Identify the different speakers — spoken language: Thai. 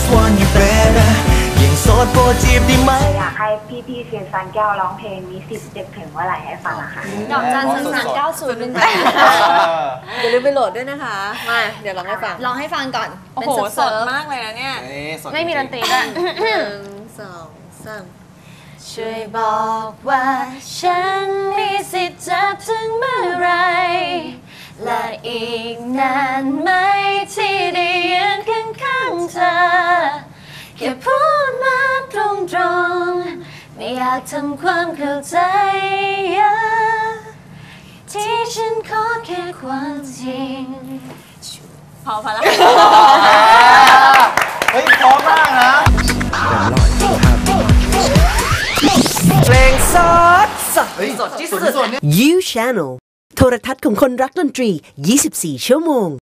Speaker 1: want you better ยังโสดโปรดจีบได้ไหม
Speaker 2: อยากให้พี่ๆเซียนซันแก้วร้องเพลงมีสิทธิ์เจ็บถึงเมื่อไหร่ให้ฟังอะค่ะ
Speaker 3: ดอกจัน390 1
Speaker 4: อย่าลืมไปโหลดด้วยนะคะมาเดี๋ยวร้องให้ฟัง
Speaker 3: ร้องให้ฟังก่อน
Speaker 5: โอ้โหสดมากเลยนะเนี่ย
Speaker 3: ไม่มีดนตรีด้วย
Speaker 4: 1 2 3
Speaker 3: ช่วยบอกว่าฉันมีสิทธิ์จะถึงเมื่อไรและอีกนานไหมที่ได้ยืนข้างๆเธอแค่พูดมาตรงๆไม่อยากทำความเข้าใจที่ฉันขอแค่ความจริง
Speaker 5: พอแล้ว
Speaker 1: เฮ้ยพร้อมมากนะเพลงสด
Speaker 4: ที่สุด You Channel โทรทัศน์ของคนรักดนตรี 24 ชั่วโมง